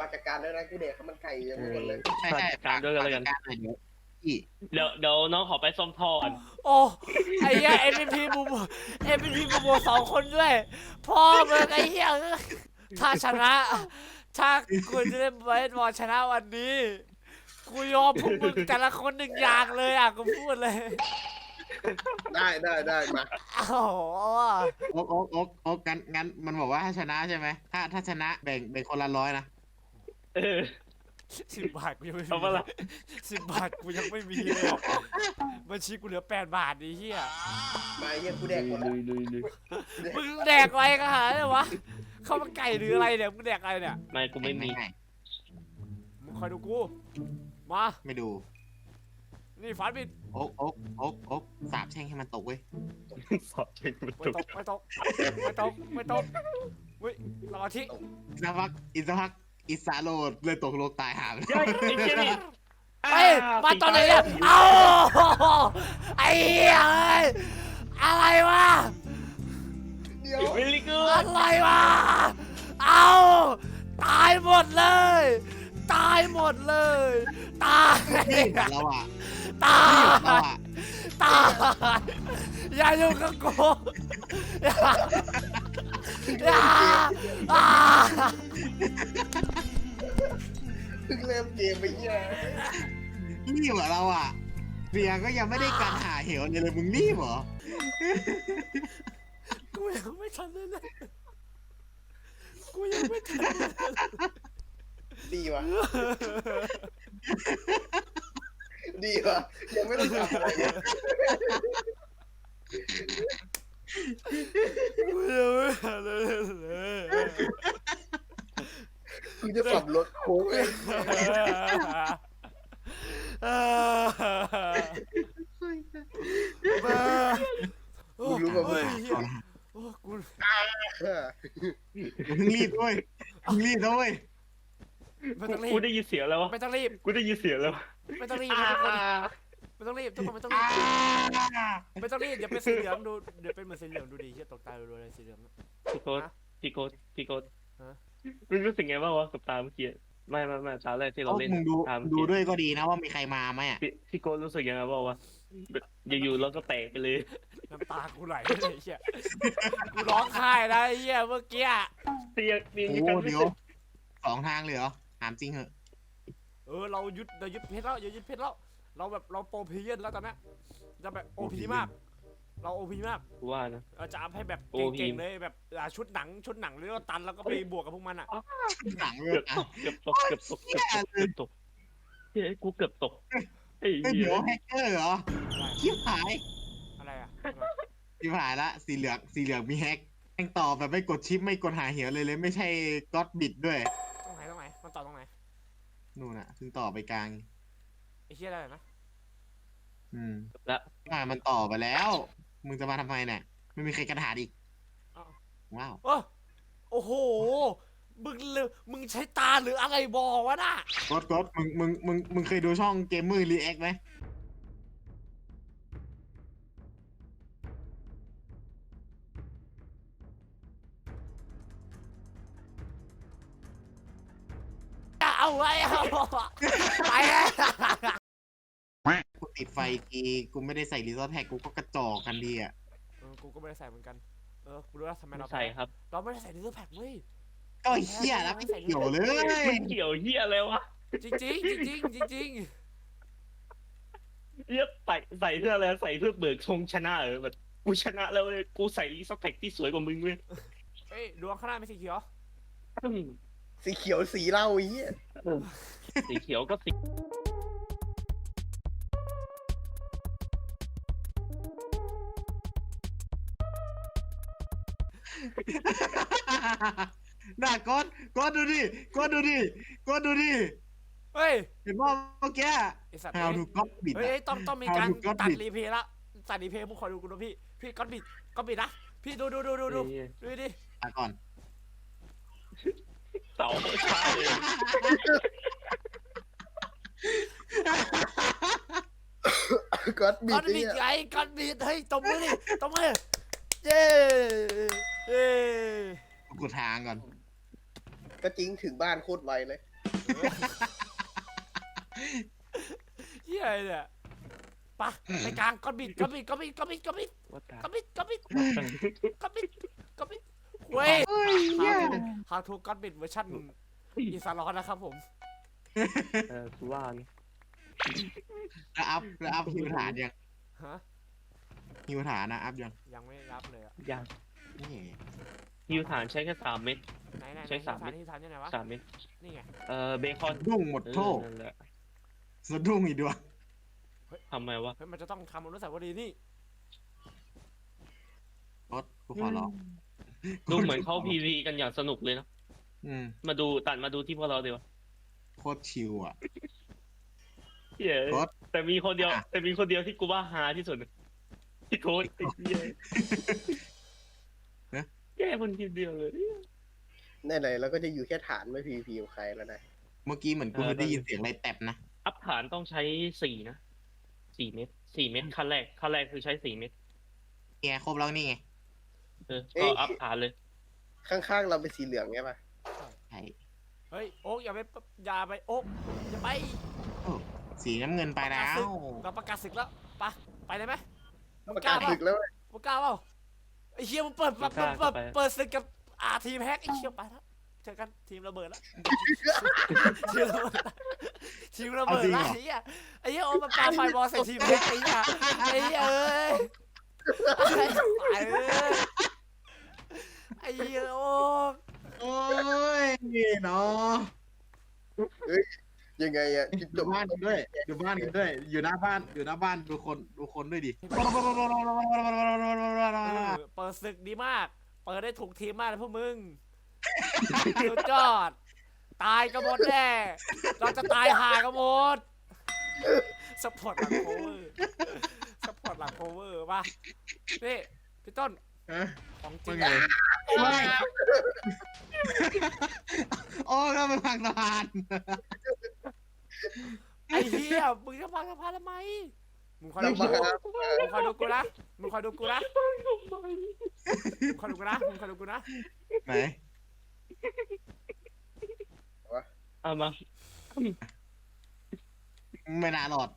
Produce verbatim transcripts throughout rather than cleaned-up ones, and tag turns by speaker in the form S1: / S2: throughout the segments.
S1: จัดการแล้วนะกูเด็กเขามันไก่ยังไม่หมดเลย
S2: ใช่ใช่
S3: การด้วยกันแล้วกัน
S2: การเดี๋ยวพี่
S3: เดี๋ยวเดี๋ยวน้องขอไปซ่อมท่อก่อน
S4: โอ้ไอ้เหี้ยเอ็มพีบูมเอ็มพีบูมสองคนด้วยพ่อมึงไอ้เหี้ยถ้าชนะถ้ากูจะได้เบสบอลชนะวันนี้กูยอมพวกมึงแต่ละคนหนึ่งอย่างเลยอ่ะกูพูดเลย
S1: ได้ได้ได้มา
S4: โอ้โห
S2: โอ๊กโอ๊กโอ๊กโอ๊กงั้นงั้นมันบอกว่าถ้าชนะใช่ไหมถ้าถ้าชนะแบ่งแบ่งคนละร้อยนะ
S3: เออ
S4: สิบบาทกูยังไม่มี
S3: เอาปะล่ะ
S4: สิบบาทกูยังไม่มีเลยบัญชีกูเหลือแปดบาทไอ้เหี้ย
S1: มาเยี่ยกูแดกหมด
S3: ลุยลุยลุย
S4: มึงแดกอะไรกันหาเนี่ยวะข้าวมันไก่หรืออะไรเนี่ยมึงแดกอะไรเนี่ย
S3: ไม่กูไม่มี
S2: ง่าย
S4: มึงคอยดูกูมา
S2: ๆไม่ดู
S4: นี่ฝันบิด
S2: โอ๊กโอ๊กโอ๊กโอ๊กสาบแช่งให้มันตกเว้ย
S3: สอบเช็คมัน
S4: ไม่
S3: ถูก
S4: ตกไม่ตกไม่ตกไม่ตกเฮ้ยสมาธิ
S2: อีกสักพักอีกสักพักอิสาโรดเลยตกโลกตายหาไป
S3: เฮ้ยไอ้เจนี่
S4: เฮ้ยมาตอนไหนเนี่ยเอ้าไอ้เหี้ยเอ้ยอะไรวะ
S1: เดี๋ยว
S3: เวลิกู
S4: อะไรวะเอาตายหมดเลย ตายหมดเลย ตาย
S2: นี่เหมือนเราอ่ะ
S4: ตา
S2: นี่เหมือนเรา
S4: ย
S2: อ่ะ
S4: ตายอย่าอยู่กับกูอย่าอย่าอ่า
S1: เพิ่งเริ่มเกมไปเยี่ย
S2: นี่เหมือนเราอ่ะเบียร์ก็ยังไม่ได้การหาเหวเลยเลยมึงรีบเหรอ
S4: กูยังไม่ทันเลยนะกูยังไม่ทันเลย
S1: ดีวะดีวะยังไม่ต้องทำอะไรเลย
S4: กูยังไม่ทันเลย
S1: กูจะขับรถโค้งเลยกูรู้ว่ามึง
S4: โอ้กู
S2: มึงรีบด้วยมึงรีบด้วย
S4: ไม่ต้องรี
S3: กู
S4: บ
S3: ได้ยินเสียงแล้ววะ
S4: ไม่ต้องรีบ
S3: กูได้ยินเสียงแล้ว
S4: ไม่ต้องรีบไม่ต้องรีบทุกคนไม่ต้องรีบไม่ต้องรีบเดี๋ยวเป็นสีเหลืองดูเดี๋ยวเป็นเหมือนสีเหลืองดูดีเฮียตกตายดูเลยสีเหลือง
S3: พี่โกดพี่โกดพี่โกด
S4: ฮะ
S3: มึงรู้สึกไงบ้างวะกับตาเมื่อกี้ไม่ไม่ไม่ตาแรกที่เรา
S2: โอ๊ก
S3: เล่น
S2: มึงดู
S3: ตาเมื่อ
S2: ดู
S3: กี้
S2: ด้วยก็ดีนะว่ามีใครมาไหมอ่ะ
S3: พี่พี่โกดรู้สึกยังไงบ้างวะอยู่ๆเราก็แตกไปเลย
S4: น้ำตากูไหลเลยเฮียกูร้องไห้นะเฮียเมื่อกี้
S3: เตียงเตียง
S2: โอ้
S3: ยังกันไม่
S2: เดี๋ยวสองทางเลยเหรอถามจริงเหอะ
S4: เออเรายึดเรายึดเพชรแล้วเรายึดเพชรแล้วเราแบบเราโปรพีเยนแล้วตอนนี้จะแบบโอพีมาก เราโอพีมาก
S3: กูว่านะ
S4: เราจะอัพให้แบบ
S3: โอพี
S4: เก่งๆเลยแบบอ่าชุดหนังชุดหนังหรือว่าตันแล้วก็ไปบวกกับพวกมันอ่ะ
S2: หนังเล
S3: เกื
S2: ย
S3: อบ
S2: อ่ะ
S3: ตกเกือบตกเกือบตกเกือบตกเกือบตกเฮ้ยกูเกือบตกไอ้
S2: เฮ้ย
S3: เหี้
S2: เดี๋ย
S3: ยว
S2: แฮกเกอร์เหรอชิบหาย
S4: อะไรอ่ะ
S2: ชิบหายละสีเหลืองสีเหลืองมีแฮกแม่งต่อแบบไม่กดชิปไม่กดหาเหวเลยเลยไม่ใช่ก็อดบิดด้วย
S4: ตรงไหนตรงไหนมันต่อตรงไหน
S2: นู่นน่ะซึ่งต่อไปกลาง
S4: ไอ้เหี้ยอะไรนะ
S2: อืม
S3: ละ
S2: มามันต่อไปแล้ว มึงจะมาทำไมเนี่ยไม่มีใครกระถาดอีก
S4: อ้าว
S2: ว้าว
S4: โอ้โอ้โหมึงเลยมึงใช้ตาหรืออะไรบอกวะน่ะ
S2: กดกดมึงมึงมึงมึงเคยดูช่องเกมมือรีแอคไหม
S4: เอาไว้เอาไปแล้ว
S2: กูติดไฟทีกูไม่ได้ใส่รีซอสแท็กกูก็กระจอกกันดีอ่ะ
S4: เออกูก็ไม่ได้ใส่เหมือนกันเออกูรู้แล้วทำไม
S3: ไม่
S4: เรา
S3: ใส่ครับ
S4: เราไม่ได้ใส่ดิสแพ็คเว้ย
S2: ก็เฮี้ยแล้วไม่เกี่ยวเลย
S3: มันเกี่ยวเหี้ยอะไรวะ
S4: จริงจริงจริงจริงจริง
S3: เหี้ยใส่ใส่เพื่ออะไรใส่เพื่อเบิกธงชนะเออแบบกูชนะแล้วเลยกูใส่รีสแต็กที่สวยกว่ามึงเว้ย
S4: เอ้ยดวงข้างหน้าไม่สีเขียว
S3: อืม
S1: สีเขียวสีเหล้าไอ้เหี้ย
S3: สีเขียวก็สี
S2: น่ากดกดดูดิกดดูดิกดดูดิ
S4: เฮ้ย
S2: เห็นว่าเมื่อกี้
S4: ไอสัตว์
S2: How to God bit
S4: เฮ้ยเฮ้ยต้องต้องมีการ
S2: How to God
S4: ตัด
S2: bit
S4: รีเพลย์ละตัดรีเพลย์พวกคอยดูกูนะพี่พี่ก็บิดก็บิดนะพี่ดูดูดูดูดูดูดิ
S2: อ่ะก่อน
S3: เสาใช่เลย
S1: ก็อดบิ
S4: ก็
S1: ดไอ้
S4: บิด
S1: เหี้ย
S4: ไงก็บิดเฮ้ยตบมือดิตบมือเย้เย้
S2: กูทางก่อน
S1: ก็จริงถึงบ้านโคตรไวเลย
S4: เฮียอะไรเนี่ยปะไปกลางก้อนบิดก้อนบิดก้อนบิดก้อนบิดก้อนบิด
S3: ว่าตา
S4: ก้อนบิดก้อนบิดก้อนบิดก้อนบิดเว้ย
S2: เฮ้ยเหี้ย
S4: ฮาทูก้อนบิดเวอร์ชันอีสานร้อนนะครับผม
S3: เออกูว่าไง
S2: แล้วอัพแล้วอัพฮิวฐานยัง
S4: ฮะ
S2: ฮิวฐานนะอัพยัง
S4: ยังไม่รับเลยอะ
S3: ยัง
S2: นี่
S3: ฮิวฐานใช้แค่สามเม็ด
S4: ไหนไหน
S3: ใช้สาม
S4: ฐานที่ฐานที่ไหนวะ
S3: สามเม็ด
S4: นี่ไง
S3: เออเบคอน
S2: ดุ้งหมด
S3: เออ
S2: โทษ
S3: นั่นแหละ
S2: สะดุ้งอีกด้วย
S3: ทำไมวะ
S4: เฮ้ยมันจะต้องทำอนุสาวรีย์นี่
S2: รถกูขอร้อง
S3: ดูเหมือนเขาพีวีกันอย่างสนุกเลยเนาะ
S2: อืม
S3: มาดูตัดมาดูที่พวกเราดีวะ
S2: โคตรชิลอ่ะ
S3: เหี้ย
S2: โค้ด
S3: แต่มีคนเดียว
S2: อ่ะ
S3: แต่มีคนเดียวที่กูว่าฮาที่สุดที่โค้ดไอ้เหี้ย
S2: เอ๊ะ
S3: แย่คนเดียวเลย
S1: ในไหนเราก็จะอยู่แค่ฐานไม่พีพีกับใครแล้วนะ
S2: เมื่อกี้เหมือนกู
S3: เออ
S2: ได้ยินเสียงอะไรแตบนะ
S3: อัพฐานต้องใช้สี่นะสี่เม็ดสี่เม็ดขั้นแรกขั้นแรกคือใช้สี่เม็ด
S2: แกครบแล้วนี่ไง
S3: เออก็อัพฐานเลย
S1: ข้างๆเราเป็นสีเหลืองไงปะ
S2: ใช่
S4: เฮ้ยโอ๊กอย่าไปอย่าไปโอ๊กอย่าไป
S2: โอ้สีน้ำเงินไปแล้ว
S4: เราประกาศศึกแล้วไปะไปเลยไหมมึง
S1: ประ
S4: กล้าก
S1: าศ
S4: เปล่า
S1: ศึกแล้วเว้ย
S4: มึงกล้าเปล่าไอ้เชี่ยมึงเปิดเปิดเปิดเปิดเปิดศึกกับอาทีมแฮกไอ้เชี่ยไปแล้วเจอกันทีมระเบิดแล้วทีมระเบิดละทีมระเบิดละไอ้เหี้ยไอ้เหี้ยโอ้มันปาไฟบอลใส่ทีมแฮกไอ้เหี้ยไอ้เหี้ยเอ้ยไอ้เอ้ยไอ้เหี้ยโอ้
S2: โอ้ยเนาะ
S1: ยังไงอะจุด
S2: ดู
S1: จบ
S2: บ้านกันด้วยดูบ้านกันด้วย อยู่หน้าบ้านอยู่หน้าบ้านดูคนดูคนด้วยดิ
S4: เออเปิดศึกดีมาก เปิดได้ถูกทีมมากเลยพวกมึงสุดยอด ตายกันหมดแน่ เราจะตายห่ากันหมดสปอร์ตหลังโคเวอร์สปอร์ตหลังโคเวอร์ป่ะนี่พี่ต้น
S2: เอ๊ะ
S4: ของจริ
S2: ว่าง ไงไม่โอ้ก็ไปพังสะพาน
S4: ไอ้เหี้ยมึงจะพังสะพานทำไมมึงคอย
S1: เรา
S4: ดู
S1: มา
S4: กูมึงคอยดูกูนะมึงคอยดูกูนะมึงคอยดูกูนะมึงคอยดูกูนะ
S2: ไหน
S3: เอามา
S2: ไม่น่ารอด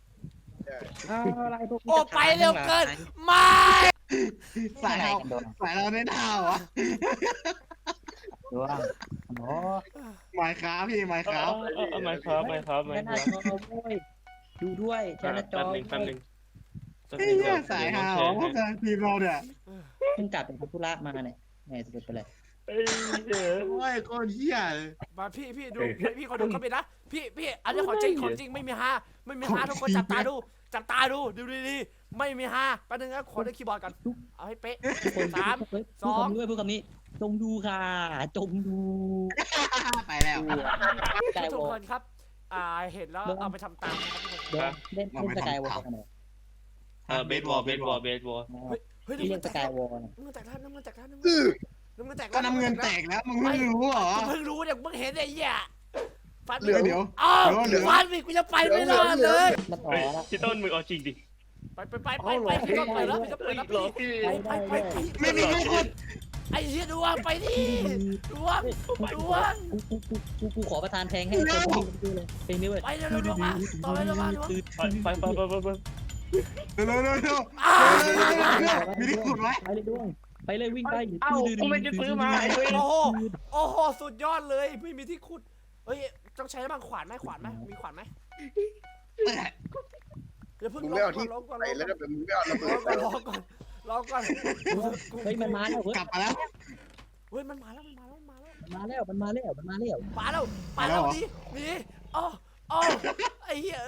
S4: โอ้ไปเร็วเกินไม่
S2: สายเราสายเราไม่น่าวะ
S5: ดูว่าโอ้
S2: ไม้ค้าพี่ไม้
S3: เอา
S2: ค้า
S3: เอาเอาเอามาครับมาครับมา
S5: แค่ห
S3: ค
S5: น้า
S3: รับ
S5: จอด้วยดูด้วยแค่หน้าจอ
S3: แป๊บหนึงแป๊บหนึงแป๊บห
S2: ไอ้
S3: นึ่ง
S2: เหี้ยสายหาวพวกทางทีมเราเนี่ย
S5: เพิ่งกลับเป็นธุระมาเนี่ยแหมสุดไปเลย
S3: เอ้ยเดี๋ยว
S2: โอ้ยโคตรเหี้ยเลย
S4: มาพี่พี่ดูพี่เขาดูก็ไปนะพี่พี่อันนี้ของจริงของจริงไม่มีฮาไม่มีฮาทุกคนจับตาดูจับตาดูดูดีๆไม่มีฮาแป๊บนึงนะขอได้คีย์บอร์ดกันเอาให้เป๊ะ
S5: คน
S4: สาม
S5: พูด
S4: สอง
S5: คำนี้ด้วยพูดคำนี้จงดูค่ะจงดู
S2: ไปแล้ว
S5: สกาย
S4: ทุ
S5: ว
S4: ก
S5: อ
S4: ค
S5: ล
S4: นครับอ่าเห็นแล้วเอาไปทำตามนะครับทุกคน
S5: เดี๋ยวเล่นเล่นสกายวอลกันหน่อย
S3: เออเบสบอลเบสบอลเบสบอล
S4: เฮ้ย
S5: ที่
S4: น้ำ
S5: เรี
S4: เงิ
S5: ย
S4: น
S5: ก
S4: แต
S5: ส
S4: ก
S5: กายวอล
S4: น้ำเงินแตกแล้วน้ำเงินแตกแล้วน้ำ
S1: อื้อ
S4: เงินแตก
S2: ก็น้ำเงินแตกแล้วมึงไม่รู้เหรอ
S4: เพิ่งรู้เนี่ยเพิ่งเห็นไอ้เหี้ยฟัน
S2: เดี๋ยวเดี๋ยว
S4: อ้าว
S2: เดี๋ยว
S4: ฟันอีกกูจะไปไม่รอดเลย
S5: มาต่อ
S3: เฮ้ย
S5: แล้ว
S3: พี่ต้นมึงเอาจริงดิ
S4: ไปไปไปไปไปพี่ต้องไปแล้วพี่ต้องไป
S3: เอ้ย
S4: แล้ว
S3: เหรอ
S4: พี่
S3: พี่
S4: ไปไปไป
S2: ไม่มีใครกด
S4: ไอ้เหี้ยดวงไปดิดวงดวง
S5: กูกูกูกูกูขอประทานแทงให้คนดูดูเลยเพลงนี้เว้ย
S4: ไปเร็วเร็วเร็วมาต่อไปเร็วมาดวง
S3: ไปไปไปไปไป
S2: เร็วเร็วเร็วเร็ว
S4: อ้าว
S2: มีที่ขุดไว้
S5: ไปเลยด้วงไปเลยวิ่งไป
S3: เอ้ากูไม่ได้ซื้อมาไอ้เว้ย
S4: โอ้โหโอ้โหสุดยอดเลยไม่มีที่ขุดเฮ้ยต้องใช้บางขวานไหมขวานไหมมีขวานไหมเดี๋ยวเพิ่ง
S1: มึง
S4: ล
S1: ไม่เอา
S4: ง
S1: ที่
S4: ก่อนลงก่อน
S1: ไหน
S4: ลง
S1: แล้ว
S4: ก่อน
S1: นะมึงไม่เอาระเบิดไป
S4: รอก่อนรอก่อน
S5: เฮ้ยมันมาแล้วเฮ้ย
S2: กลับมาแล้ว
S4: เฮ้ยมันมาแล้วมันมาแล้วมันมาแล้ว
S5: มาแล้วมันมาแล้วมันมาแล้ว
S4: มาแล้วมาแล้วนี่นี่อ๋ออ๋อไอ้เหี้ย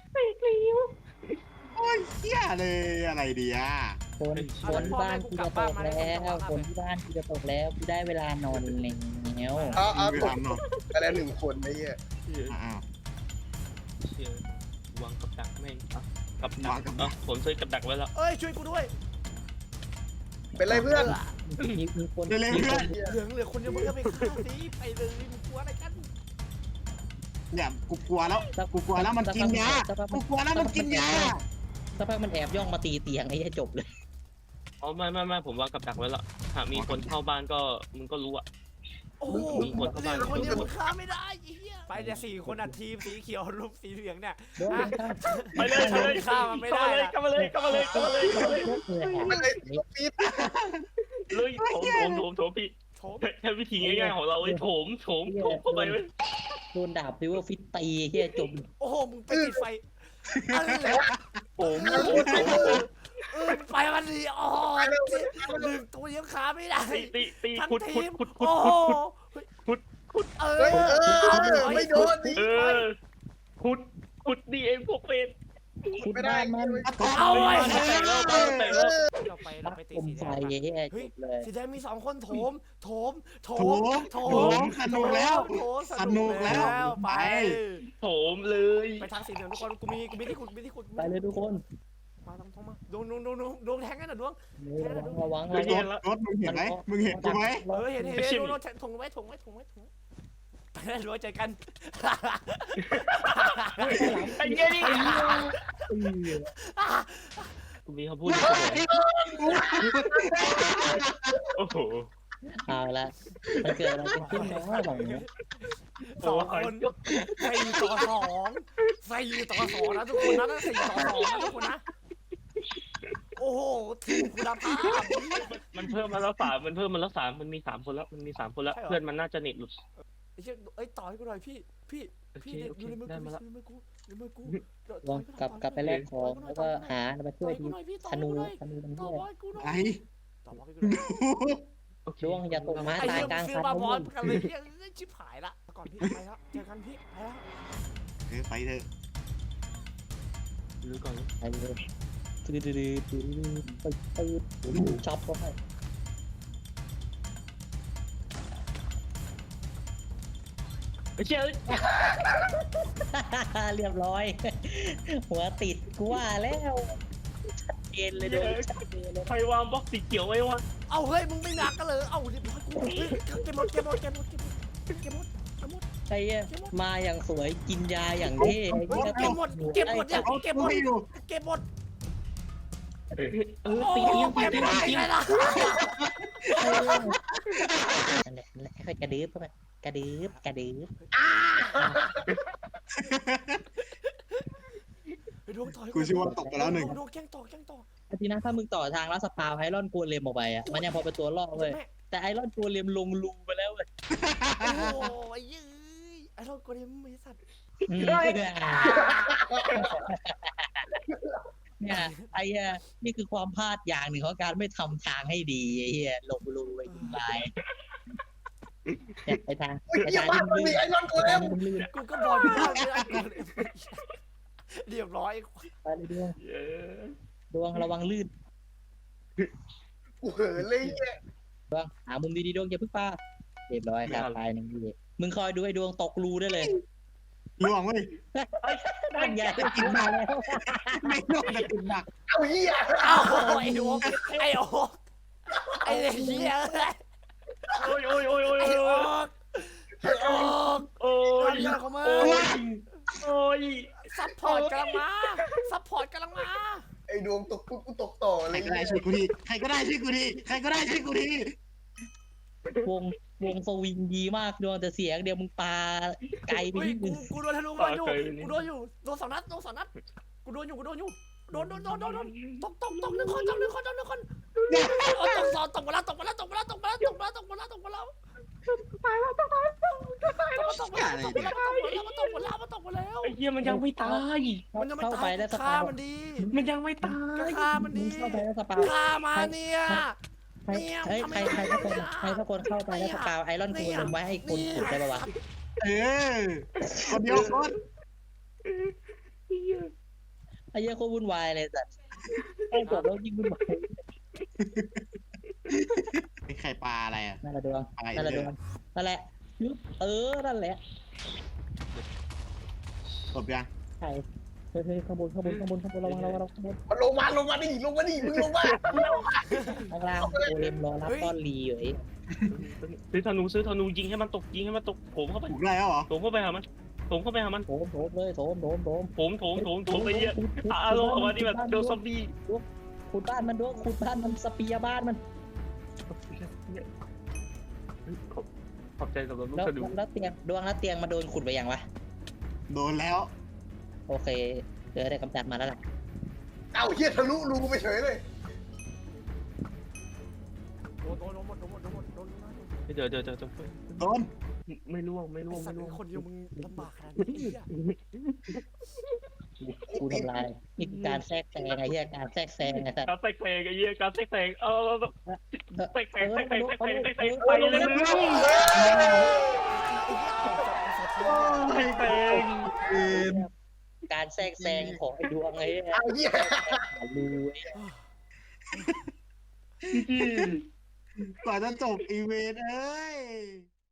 S2: โอ้ยเหี้ยเลยอะไรดีอ่ะ
S5: คนคนที่บ้านกูจะตกแล้วคนที่บ้านกูจะตกแล้วกูได้เวลานอนแล้ว
S1: เอาเอา
S2: ไป
S1: ตก
S2: ทำเนาะ
S1: ไปแล้วหนึ่งคนไอ้เหี้ย
S2: อ้าว
S3: เชี่ยวางกับดักแม่งอ่ะกับดั
S2: วาก งกับดั
S3: อ่ะ
S2: ก
S3: ผมซื้อกับดักไว้แล้ว
S4: เอ้ยช่วยกูด้วย
S1: เป็นไรเพื่อน
S5: มีมีคน
S2: เร็วๆเพื่อน
S4: เหลืองเหลือคนเดียวมึงก็ไปฆ่าสิไปเลยมึงกลัวอะไรกัน
S2: เนี่ยกูกลัวแล้วกูกลัวแล้วมันกินยากูกลัวแล้วมันกินยา
S5: สักพักมันแอบย่องมาตีเตียงไอ้จบเลย
S3: อ๋อไม่ไม่ไม่ผมวางกับดักไว้แล้วหากมีคนเข้าบ้านก็มึงก็รู้อ่ะ
S4: โอ้โห
S3: มึงกดเข้า
S4: เหลื
S3: บ้าน
S4: อคนเดียวมึงฆ่าไม่ได้ไอ้เหี้ยไปเนี่ยสี่คนอ่ะทีมสีเขียวรูปสีเหลืองเนี่ย
S5: โดนข้าม
S3: ไปเลยไปเลย
S4: ฆ่ามันไม่ได้อะ
S3: เข้ามาเลยเข้ามาเลยเข้ามาเลยเข้ามาเลย
S1: มันเลยปี๊ด
S3: เลยโถมโถมโถมโถมพี่
S4: โถม
S3: แค่วิธีง่ายๆของเราไอ้โถมโถมโถมเข้าไปเว้ย
S5: โดนดาบซิว่าฟิตตีเฮียจม
S4: โอ้โหมึงไปติดไฟอะไร
S3: โถมโถมโถมโถม
S4: เออไฟมันดีอ๋อหนึ่งตัวยังฆ่าไม่ได้
S3: ตีตีตี
S4: ทั้ง
S3: ขุด
S4: ที
S3: ขุด
S4: ม
S3: ขุดขุ
S4: โอ้
S3: ด
S4: โห
S3: ขุดขุด
S4: เอ
S1: เฮ้ย
S4: อ
S1: เออไม่โดนดิ
S3: เออขุดขุดดีเองพวกเวร
S5: ขุดบ้านมัน
S4: เอาไว้
S3: แต่แล้วแต่แล้ว
S4: เราไปเราไปตี
S5: ผม
S4: สีแด
S5: ไฟ
S4: ง
S5: เฮียจ
S4: เฮ้ย
S5: บเลย
S4: สีแดงมีสองคนโถมโถมโถ
S2: โถ
S4: ม
S2: มโถมสนุกแล้ว
S4: โถม
S2: สนุกแล้ว
S4: ไป
S3: โถมเลย
S4: ไปทางสีเหลืองทุกคนกูมีกูมีที่ขุดมีที่ขุด
S5: ไปเลยทุกคน
S4: มาต้องต้องมาดวงดวงดวงดวงดวงแทงกันหน่อยดวง
S5: ระวังระวัง
S2: ร
S5: ระวัง
S2: ถรถมึงเห็นไหมมึงเห็นกูไหม
S4: เออเห็นเห็นเห็นดวงดวงถงไว้ถงไว้ถงไว้ถงไว้ไปแล้วดวงเจอกัน
S3: ไอ้เงี้ยนี่กูมีคำพูดโอ้โห
S5: เอาละมันเกิดอะไรขึ้นเนาะหลังนี้
S4: สองคนสี่ต่อสองสี่ต่อสองนะทุกคนนะนั่นสี่ต่อสองนะทุกคนนะโอ้โหทีมคุณภาพ
S3: มันเพิ่มมาแล้วสามมันเพิ่มมาแล้วสามมันมีสามคนแล้วมันมีสามคนแล้วเพื่อนมันน่าจะเน็ตหลุด
S4: ไอ้เชี่ยเอ้ยต่อให้กูหน่อยพี่พี่พี่เด็กอยู่ในมือกูในมือกูในมือกู
S5: ลองกลับกลับไปแลกของแล้วก็หามาช่วยทีธนูธนูมัน
S4: ต่อ
S5: เฮีย
S4: บอลกูหน่อย
S2: ไอ้
S4: ต่อบอลกูหน่อย
S5: ดวงอย่าตกม้า
S4: ไอ้
S5: ตาย
S4: เหี้ย
S5: กลาง
S4: ซื้
S5: คั
S4: อน มาบอล
S5: นะ
S4: กันเลยเหี้ยชิบหายละก่อนพี่ไปแล้วเจอกันพี่ไปแล้ว
S2: เออไปเถอะ
S3: รู้ก่อน
S5: ไปเลยตื้อตื้อตื้อตื้อตื้อช็อปก็ให้
S3: ไอ้เชี่ย
S5: เรียบร้อย หัวติดกูว่าแล้วชัดเจนเลยโดนชัดเจนเลย
S3: ใครวางบล็อกสีเขียวไว้วะ
S4: เอาเฮ้ยมึงไม่หนักกันเลยเอาเรียบร้อยกูเก็บหมดเก็บหมดเก็บหมดเก็บหมดเก็บหมดเก็บหมด
S5: ไอ้เหี้ยมาอย่างสวยกินยาอย่างเท่
S4: เก็บหมดเก็บหมดเนี่ย
S2: เอา
S4: เก็บหม
S2: กู
S4: ด
S2: ให้อยู่
S4: เก็บหมด
S3: เออ
S4: โอ้
S3: ตีเอียงตี
S4: เก็บ
S3: เอีย
S4: หม
S3: ง
S4: ด
S3: ตี
S4: ไง
S3: เอียง
S4: ล่ะ
S5: นั่นแหละนั่นแหละค่อยกระดืบเข้าไปกระดืบกระดืบ
S4: ไปดวงต่อย
S2: กูเชื่อว่าตกไปแล้วหนึ่ง
S4: ดวงแกล้งต่อแกล้งต่อ
S5: ทีนะถ้ามึงต่อทางแล้วสปาวไอรอนโกเลมออกไปอ่ะมันยังพอเป็นตัวล่อเว้ยแต่ไอรอนโกเลมลงรูไปแล้วเว้ย
S4: โอ้ยยื้ยไอ้เรากูเนี่ยไม่สัตว์
S5: เนี่ยไอ้เหี้ยนี่คือความพลาดอย่างหนึ่งของการไม่ทำทางให้ดีไอ้เหี้ยลงรูไปยิงตายเนี่ยไปทาง
S1: เฮ้ย
S5: ไป
S1: เยี่ย
S5: ทาง
S1: มาก
S5: ที่
S1: มัน
S5: ลื่
S1: มี
S5: น
S1: ไอ้นอนกู
S5: ไป
S1: แล้
S5: ทาว งที่ลื่น
S4: กูก็บอกอยู่ว่าไม่ได้กูเรียบร้อย
S5: ไปเลยดวง
S3: เออ
S5: ดวงระวังลื่น
S1: กูเหินเลยเหี้ย
S5: ดวงหามุมดีๆดวงอย่าเพึ่งป้าเรียบร้อยครับตายหนึ่งทีมึงคอยดูไอ้ดวงตกรูได้เลย
S2: ล่วงเว้ย
S5: นั่นไงกินมาแล้ว
S2: ไม่ล่วงแต่ติดหนัก
S1: เอาเหี้ย
S4: อ้าวไอ้โอ๊กไอ้โอ๊กไอ้เหี้ย
S3: โอ้ยโอ้ยโอ้ยโอ้ย
S4: ไอ้
S3: โอ้
S4: โอ๊
S3: ย
S4: กไอ้โอ๊ก
S3: โอ้ย
S4: ทำยังเขามา
S3: โอ้ยโอ้ย
S4: ซัพพอร์ตกำลังมาซัพพอร์ตกำลังมา
S1: ไอ้ดวงตกกูกูตกต่อ
S2: ใค
S1: เล
S2: ร
S1: ย
S2: ก็ได้ช่วยกูทีใครก็ได้ช่วยกูทีใครก็ได้ช่วยกูที
S5: วงวงสวิงดีมากดวงแต่เสียงเดียวมึงปาไกลไป
S4: เฮ้ย
S5: นิด
S4: กู
S5: นึง
S4: กูโดนธนูมาอยู่กูโดนอยู่โดนสองนัดโดนสองนัดกูโดนอยู่กูโดนอยู่โดนโดนโดนโดนโดนตกตกตกหนึ่งคนตกหนึ่งคนตกหนึ่งคนตกสองตกมาแล้วตกมาแล้วตกมาแล้วตกมาแล้วตกมาแล้วตกมาแล้วตกมาแล้วตายแล้วตายแล้วตายแล้วตกมาแล้วตกมาแล้วตกมาแล้วตกมาแล้วตกมาแล้ว
S3: ไอ้เหี้ยมันยังไม่ตาย
S4: มันยังไม่
S5: เข้า
S4: ตา
S5: ไป
S4: ย
S5: แล้วส
S4: ฆ่า
S5: ปาว
S4: มันดี
S3: มันยังไม่ตาย
S4: ฆ่ามัน
S5: มึ
S4: ดี
S5: งเข้าไปแล้วสปาว
S4: ฆ่ามาเนี่ย
S5: ใครเฮ้ยใครใครสักคนใครสักคนเข้าไปแล้วสปาวไอรอนโกลมไว้ให้คนขุดได้ปะวะ
S2: เออคนเดียวคน
S5: ไอ้เหี้ยโคตรวุ่นวายเลยสัตว์ไอ้กดแล้วยิ่งวุ่นวาย
S2: เป็นไข่ปลาอะไรอ่ะ
S5: นั่นแหละดวง
S2: อะไร
S5: นั่นแหละด
S2: เนี่
S5: วย งนั่นแหละเออนั่นแหละ
S2: จบยัง
S5: ใช่เฮ้ยเฮ้ยข้างบนข้างบนข้างบนข้างบนระวังระวังระวังข้างบน
S1: มันลงมาลงมาดิลงมาดิมึงลงมา
S5: ข้างล่างโกเลมรอรับต้อนรีอยู่ไอ้
S3: ซื้อธนูซื้อธนูยิงให้มันตกยิงให้มันตกโถมเข้าไป
S2: ถูกได้แล้วเหรอ
S3: โถมเข้าไปหามันโถมเข้าไปหามัน
S5: โถมโถมเลยโถมโถมโถม
S3: โถมโถมโถมโถมไปเยอะอารมณ์ของมันที่แบบโดนซอมบี้
S5: ขุดบ้านมันด้วยขุดบ้านมันสเปียร์บ้านมัน
S3: ขอบใจสำหรับลูก
S5: แล้ว
S3: สะดุ
S5: แล้วเตียงดวงแล้วเตียงมาโดนขุดไปยังวะ
S2: โดนแล้ว
S5: โอเคเจอได้กำจัดมาแล้วล่ะ
S1: เอ้าเฮียทะลุรูไปเฉยเลย
S4: โดนโดนโดนหมดโดนหมดโดนหมดโดนหมด
S3: เจอเจอเจอเจอ
S2: โดน
S3: ไม่ร่วงไม่
S4: ไอ้
S3: ร่วง
S4: สั
S3: ไม่
S4: ตว์
S3: ร่วง
S4: คนเดียวมึงลำบากขนาดนี้ไอ้เหี้ย
S5: กูทำลายนี่คือการแทรกแซงไอ้เหี้ยการแทรกแซงไอ้สัตว์
S3: การแตกแตกไอ้เหี้ยการแตกแตกเออแตกแตกแตกแตกแตกแตกแตก
S5: ไป
S3: ไป
S5: เล
S3: เลย ยแตกแตก
S5: การแทรกแซงของไอ้ดวงไอ้เหี้ย
S1: เอาเฮีย
S5: รู้
S2: กว่าจะจบอีเวนต์เอ้ย